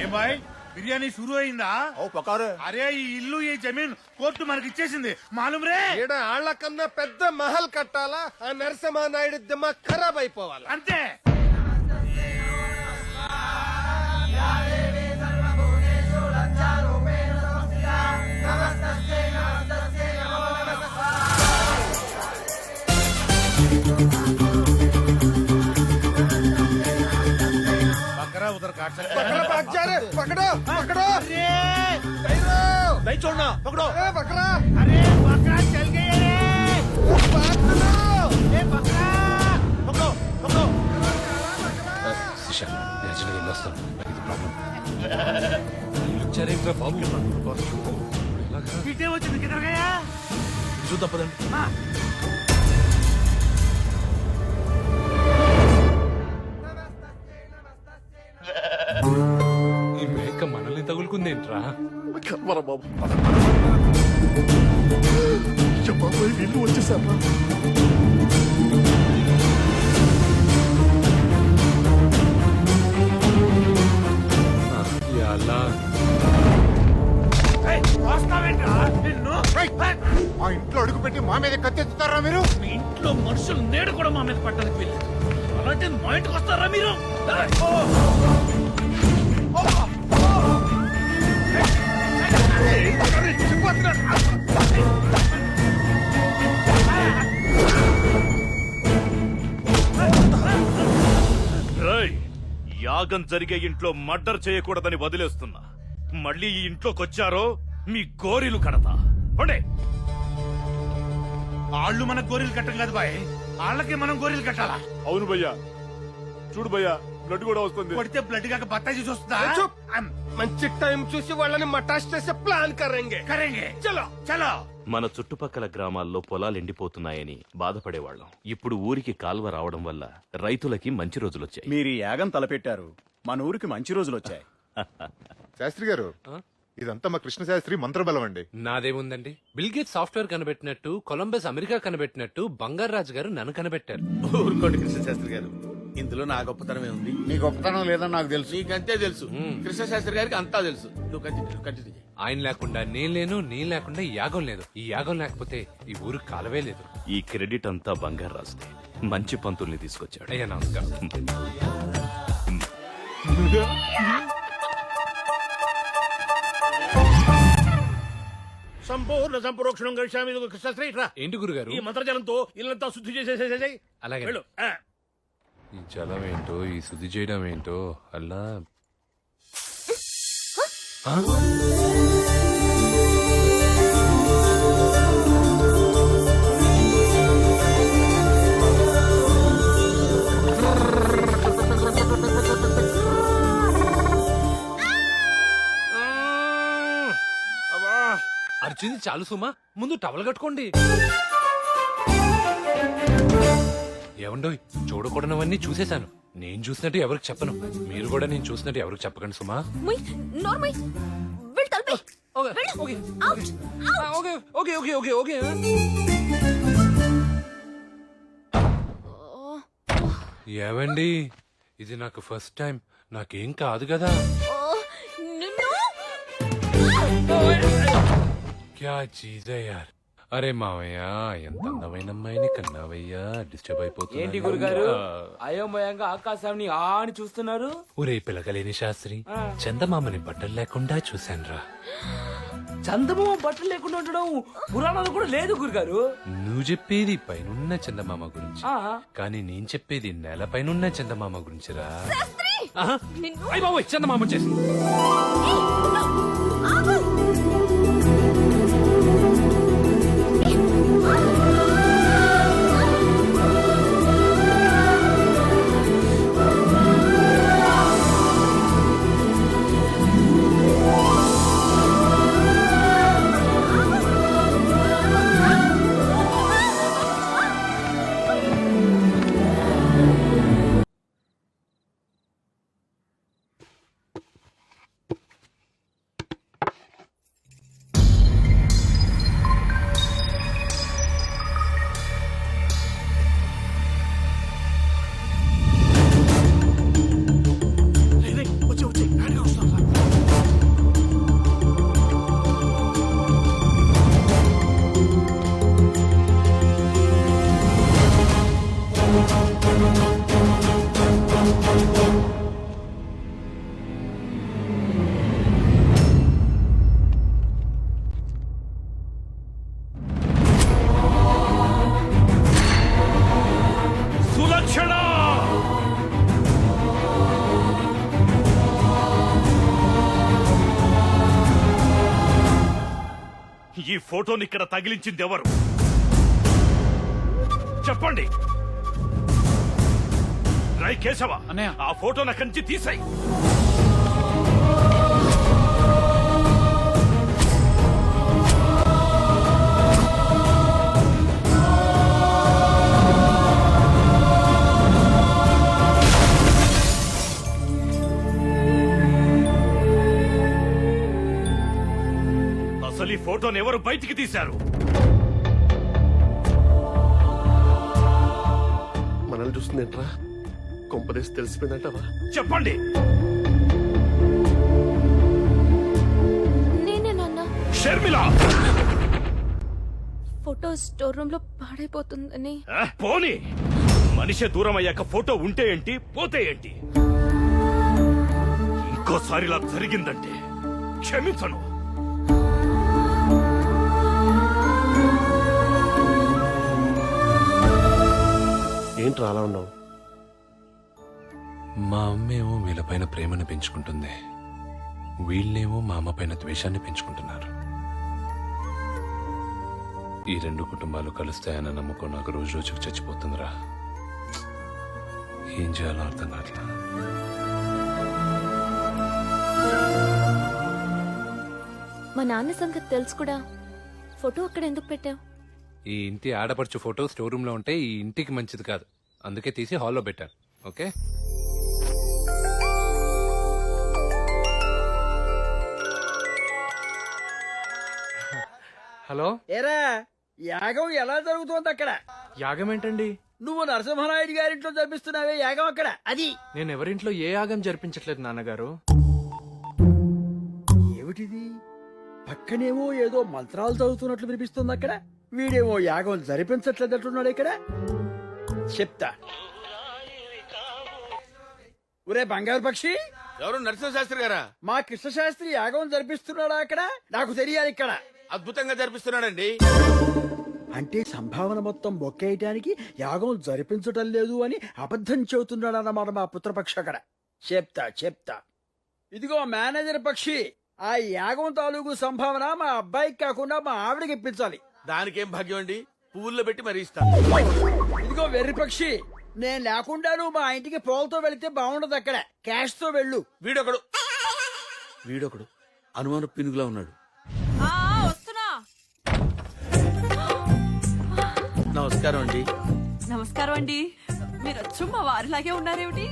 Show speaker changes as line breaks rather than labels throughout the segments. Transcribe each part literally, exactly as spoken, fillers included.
ఏ bye biryani షురూ అయిందా?
ఓ పకారు.
అరే ఈ ఇల్లు ఈ జమీన్ కోర్టు మనకి ఇచ్చేసింది మాలూమ్ రే.
ఈడ ఆళ్ల కన్నా పెద్ద మహల్ కట్టాలా? ఆ నరసింహ నాయుడు దిమాగ్ ఖరాబ్ అయిపోవాలా
అంతే. बकरा उधर काट सकता है।
बकरा भाग जा रे, पकड़ो पकड़ो।
अरे
नहीं छोड़ना, पकड़ो।
ए बकरा,
अरे बकरा चल गया रे।
भाग लो।
ए बकरा
पकड़ो पकड़ो।
శిష నేచురల్ వెళ్ళొస్తాను ఇది ప్రాబ్లం వచ్చారేంట్రా బాబు
पीटे वो चल किधर गया?
చూద్దాం పదండి.
हाँ।
ఈ మేక మనల్ని తగులుకుందేంట్రా?
కర్మరా బాబు. బాబాయ్ వీళ్ళు వచ్చేసారా?
ఎలా
మా ఇంట్లో అడుగు పెట్టి మా మీద కత్తెత్తుతారా మీరు?
మీ ఇంట్లో మనుషులు నేడు కూడా మా మీద పట్టడానికి వెళ్ళారు. అలాంటి మా ఇంటికి వస్తారా మీరు?
యాగం జరిగే ఇంట్లో మర్డర్ చేయకూడదని వదిలేస్తున్నా. మళ్ళీ ఈ ఇంట్లోకొచ్చారో మీ గోరీలు కడతా.
వాళ్ళు మన గోరీలు కట్టం కాదు బాయ్, వాళ్ళకి మనం గోరీలు కట్టాలా?
అవును భయ్యా, చూడు భయ్యా బ్లడ్ కూడా వస్తుంది.
కొడితే బ్లడ్ కాక బత్తాయి చూస్తుందా?
చూప్. మంచి టైం చూసి వాళ్ళని మటాష్ చేసే ప్లాన్ కరెంగే
కరెంగే.
చలో
చలో.
మన చుట్టుపక్కల గ్రామాల్లో పొలాలు ఎండిపోతున్నాయని బాధపడేవాళ్ళం. ఇప్పుడు ఊరికి కాల్వ రావడం వల్ల రైతులకి మంచి రోజులొచ్చాయి.
మీరు ఈ యాగం తలపెట్టారు, మన ఊరికి మంచి రోజులు వచ్చాయి.
శాస్త్రి గారు, ఇదంతా మా కృష్ణ శాస్త్రి మంత్రబలం అండి.
నాదేముందండి, బిల్గేట్ సాఫ్ట్వేర్ కనిపెట్టినట్టు, కొలంబస్ అమెరికా కనిపెట్టినట్టు బంగారాజు గారు నన్ను కనిపెట్టారు.
ఊరుకోండి కృష్ణ శాస్త్రి గారు, ఇందులో నా గొప్పతనమే ఉంది.
నీ గొప్పతనం లేదని నాకు తెలుసు.
నీకంతే తెలుసు, కృష్ణ శాస్త్రి గారికి అంతా తెలుసు. నువ్వు కంటిన్యూ కంటిన్యూ చేయి.
ఆయన లేకుండా నేను లేను, నేను లేకుండా ఈ యాగం లేదు. ఈ యాగం లేకపోతే ఈ ఊరు కాలవే లేదు.
ఈ క్రెడిట్ అంతా బంగారాజుదే. మంచి పంతుల్ని తీసుకొచ్చాడు.
అయ్యా నమస్కారం.
సంపూర్ణ సంప్రోక్షణం కలిశామి కృష్ణశ్రీ.
ఏంటి గురుగారు?
ఈ మంత్రజలంతో ఇల్లంతా శుద్ధి చేసేసేసేయ్.
అలాగే.
వెళ్ళు. ఆ.
ఈ జలం ఏంటో, ఈ శుద్ధి చేయడం ఏంటో అలా. ఆ? అర్జున్ చాలు సుమా, ముందు టవల్ కట్టుకోండి. ఏమండోయ్, చూడకూడనవన్నీ చూసేశాను. నేను చూసినట్టు ఎవరికి చెప్పను, మీరు కూడా నేను చూసినట్టు ఎవరికి చెప్పకండి సుమా. ఏవండి, ఇది నాకు ఫస్ట్ టైం, నాకేం కాదు కదా. క్యా చీజ్ యార్. అరే మావయ్య, ఎంత అందమైన అమ్మాయిని కన్నావయ్యా. డిస్టర్బ్ అయిపోతుంది.
ఏంటి గురుగారు అయోమయంగా ఆకాశాన్ని ఆ అని చూస్తున్నారు?
ఒరే పిలకలేని శాస్త్రి, చందమామని బట్టలు లేకుండా చూశానురా.
చందమామ బట్టలు లేకుండా ఉండడం పురాణాలు కూడా లేదు గురుగారు.
నువ్వు చెప్పేది పైనున్న చందమామ గురించి, కానీ నేను చెప్పేది నేల పైనున్న చందమామ గురించిరా. అయ్య బాబోయ్, చందమామ చేసి
ఈ ఫోటోని ఇక్కడ తగిలించింది ఎవరు చెప్పండి. రై కేశవ,
అన్నయ్య.
ఆ ఫోటోని అక్కడి నుంచి తీసాయి. అసలు ఈ ఫోటోని ఎవరు బయటికి తీశారు?
మనల్ని చూస్తుందేంట్రా? కొంపదేసి తెలిసిపోయిందంటావా?
చెప్పండి.
నేనే నాన్న.
షర్మిల,
ఫోటో స్టోర్ రూమ్ లో పాడైపోతుందని.
ఆ, పోనీ మనిషి దూరం అయ్యాక ఫోటో ఉంటే ఏంటి, పోతే ఏంటి? ఇంకోసారి ఇలా జరిగిందంటే క్షమించను.
ఏంట్రా అలా ఉన్నావు?
మా అమ్మేమో వీళ్ళపైన ప్రేమను పెంచుకుంటుంది, వీళ్ళేమో మా అమ్మ పైన ద్వేషాన్ని పెంచుకుంటున్నారు. ఈ రెండు కుటుంబాలు కలుస్తాయన్న నమ్మకం నాకు రోజు రోజుకు చచ్చిపోతుందిరా. ఏం చేయాలో అర్థం కావట్లా.
మా నాన్న సంగతి తెలుసు కూడా. ఫోటో అక్కడ ఎందుకు పెట్టావు?
ఈ ఇంటి ఆడపడుచు ఫోటో స్టోర్ రూమ్ లో ఉంటే ఈ ఇంటికి మంచిది కాదు, అందుకే తీసి హాల్లో పెట్టాను. ఓకే. హలో.
ఏరా యాగం ఎలా జరుగుతోంది అక్కడ?
యాగం ఏంటండి?
నువ్వు నరసింహనాయుడు గారింట్లో జరిపిస్తున్నావే యాగం అక్కడ, అది.
నేను ఎవరింట్లో ఏ యాగం జరిపించట్లేదు నాన్నగారు.
ఏమిటిది? పక్కనేమో ఏదో మంత్రాలు చదువుతున్నట్లు వినిపిస్తుంది అక్కడ. వీడేమో యాగం జరిపించట్లేదట్టున్నాడు ఇక్కడ. చెప్తా. ఒరే బంగారు పక్షి,
ఎవరు నరసింహ శాస్త్రి గారా?
మా కృష్ణశాస్త్రి యాగం జరిపిస్తున్నాడా అక్కడ? నాకు తెలియాలి ఇక్కడ.
అద్భుతంగా జరిపిస్తున్నాడండి.
అంటే సంభావన మొత్తం బొక్కేయటానికి యాగం జరిపించటం లేదు అని అబద్ధం చెబుతున్నాడన్నమాట మా పుత్రపక్షి అక్కడ. చెప్తా చెప్తా. ఇదిగో మేనేజర్ పక్షి, ఆ యాగం తాలూకు సంభావన మా అబ్బాయికి కాకుండా మా ఆవిడకి ఇప్పించాలి.
దానికేం భాగ్యం అండి, పువ్వుల్లో పెట్టి మరీ ఇస్తాను.
ఇదిగో వెర్రి పక్షి, నేను లేకుండా నువ్వు మా ఇంటికి పోల్తో వెళితే బాగుండదు. అక్కడ క్యాష్ తో వెళ్ళు.
వీడొకడు వీడొకడు అనుమాన పినుగులా ఉన్నాడు.
వస్తున్నా.
నమస్కారం అండి.
నమస్కారం అండి. మీరు వచ్చు మా వారిలాగే ఉన్నారేమిటి?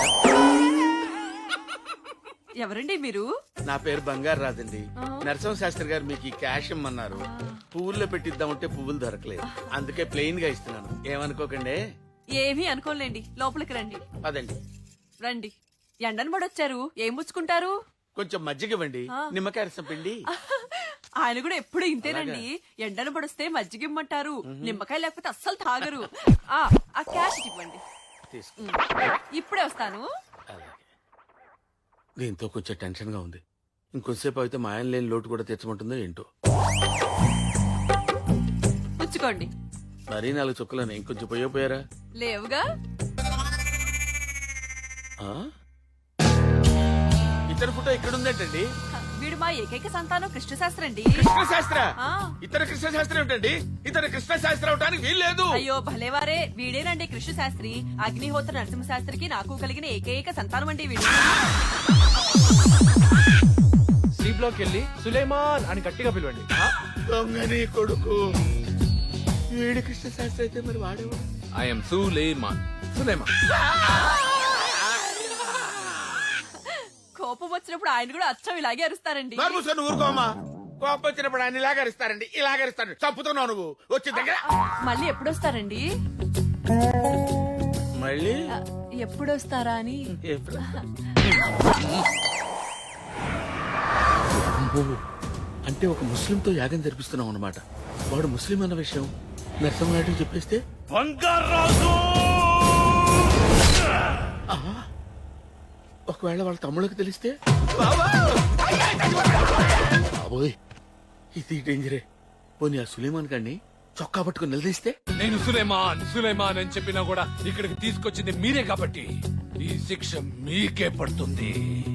ఎవరండి మీరు?
నా పేరు బంగారు రాదండి. నరసింహ శాస్త్రి గారు మీకు ఈ క్యాష్ ఇమ్మన్నారు. పువ్వుల్లో పెట్టిద్దామంటే పువ్వులు దొరకలేదు, అందుకే ప్లెయిన్ గా ఇస్తున్నాను. ఏమనుకోకండి.
ఏమీ అనుకోలేండి, లోపలికి రండి.
అదండి.
రండి. ఎండను పడొచ్చారు, ఏం పుచ్చుకుంటారు?
కొంచెం మజ్జిగ ఇవ్వండి, నిమ్మకాయ రసం పిండి.
ఆయన కూడా ఎప్పుడు ఇంతేనండి. ఎండను పడిస్తే మజ్జిగ ఇమ్మంటారు, నిమ్మకాయ లేకపోతే అస్సలు తాగరు. ఆ ఆ క్యాష్ ఇవ్వండి.
తీసుకో.
ఇప్పుడే వస్తాను.
దీంతో కొంచెం టెన్షన్ గా ఉంది. ఇంకొంతసేపు అయితే మా ఆయన లేని లోటు కూడా తెచ్చమంటుందో ఏంటో.
పుచ్చుకోండి.
మరీ నాలుగు చుక్కలని ఇంకొంచెం పోయో పోయారా?
లేవుగా.
ఆ? ఇతర ఫోటో ఇక్కడ ఉందేంటండి?
వీడు మా ఏకైక సంతానం కృష్ణశాస్త్రి అండి.
కృష్ణ శాస్త్ర?
ఆ.
ఇతర కృష్ణ శాస్త్రి ఏమిటండి? ఇతర కృష్ణ శాస్త్రి అవటానికి వీల్లేదు.
అయ్యో భలేవారే, వీడేనండి కృష్ణ శాస్త్రి. అగ్నిహోత్ర నరసింహ శాస్త్రికి నాకు కలిగిన ఏకైక సంతానం అండి వీడు.
సి బ్లాక్ వెళ్ళి సులేమాన్ అని గట్టిగా పిలవండి.
దొంగని కొడుకు. వీడి కృష్ణ శాస్త్రి అయితే మరి వాడేవాడు.
ఐఎమ్ సులేమాన్. సులేమాన్.
కోపం వచ్చినప్పుడు ఆయన కూడా అచ్చం ఇలాగే అరుస్తారండి.
మరి మూసుకొని ఊరుకోమా. కోపం వచ్చినప్పుడు ఆయన ఇలాగరిస్తారండి, ఇలాగరిస్తాడు. చంపుతున్నావు నువ్వు. వచ్చి దగ్గర.
మళ్ళీ ఎప్పుడు వస్తారండి?
మళ్ళీ
ఎప్పుడు వస్తారా అని.
అంటే ఒక ముస్లింతో యాగం జరిపిస్తున్నాం అన్నమాట. వాడు ముస్లిం అన్న విషయం నరసింహనాయుడు చెప్పేస్తే
బంగారాజు,
ఒకవేళ వాళ్ళ తమ్ముళ్ళకి తెలిస్తే బాబోయ్, ఇది డేంజరే. పోనీ ఆ సులేమాన్ గారిని చొక్కా పట్టుకుని నిలదీస్తే
నేను సులేమాన్ సులేమాన్ అని చెప్పినా కూడా ఇక్కడికి తీసుకొచ్చింది మీరే కాబట్టి ఈ శిక్ష మీకే పడుతుంది.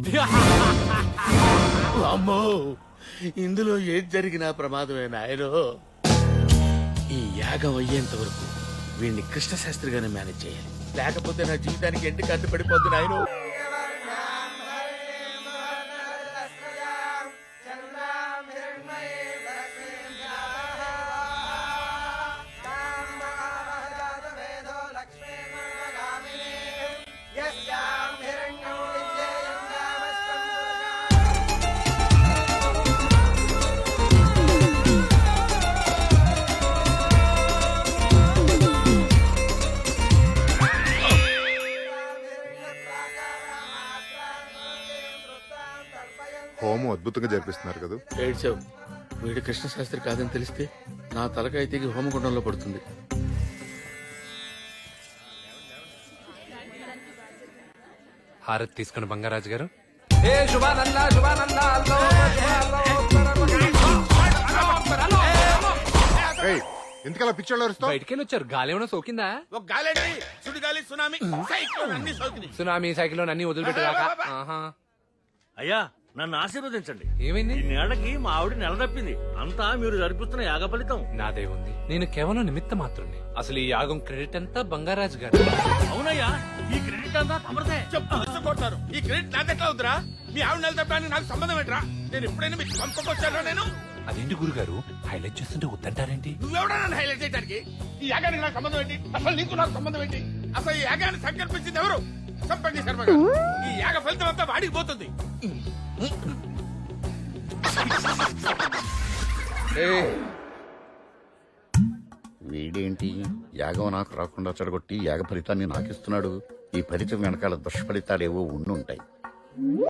అమ్మో ఇందులో ఏది జరిగినా ప్రమాదమే నాయనో. ఈ యాగం అయ్యేంత వరకు వీడిని కృష్ణశాస్త్రిగానే మేనేజ్ చేయాలి, లేకపోతే నా జీవితానికి ఎంటి కట్టు పడిపోద్ది నాయనో.
హోమం అద్భుతంగా జరిపిస్తున్నారు కదా.
ఏడ్చావు. వీడు కృష్ణశాస్త్రి కాదని తెలిస్తే నా తలకాయ తెగి హోమగుండంలో పడుతుంది.
హారతి తీసుకుని బంగారాజు గారు.
ఏయ్, ఎందుకలా పిచ్చోళ్ళు అరుస్తావు?
బయటికి వెళ్ళి వచ్చారు, గాలి ఏమైనా సోకిందా?
ఒక గాలి, సుడిగాలి, సునామీ, సైక్లోన్ అన్ని సోకినాయి.
సునామీ సైకిల్ అన్ని వదిలిపెట్టాక
అయ్యా నన్ను ఆశీర్వదించండి.
ఏమైంది?
నేడకి మా ఆవిడ నెల తప్పింది. అంతా మీరు జరిపిస్తున్న యాగ ఫలితం.
నాదే ఉంది, నేను కేవలం నిమిత్త మాత్రమే. అసలు ఈ యాగం క్రెడిట్ అంతా బంగారాజు గారు.
అవునయ్యా, ఈ క్రెడిట్ అంతా తమరిదే.
చెప్పు కొడతారు. ఈ క్రెడిట్ నాదెట్లా అవుతురా? మీ ఆవిడ నెల తప్పడానికి నాకు సంబంధం ఏంట్రా? నేను ఎప్పుడైనా మీకు పంపకొచ్చానా? నేను
అదేంటి గురుగారు హైలైట్ చేస్తుంటే వద్దంటారేంటి?
నువ్వెవడా నన్ను హైలైట్ చేయడానికి? ఈ యాగానికి నాకు సంబంధం ఏంటి? అసలు నీకు నాకు సంబంధం ఏంటి? అసలు ఈ యాగాన్ని సంకల్పించింది ఎవరు? సంపంగి శర్మ గారు. ఈ యాగ ఫలితం అంతా వాడికి పోతుంది.
వీడేంటి యాగం నాకు రాకుండా చెడగొట్టి యాగ ఫలితాన్ని నాకిస్తున్నాడు. ఈ ఫలితం వెనకాల దుష్ఫలితాలేవో ఉండుంటాయి.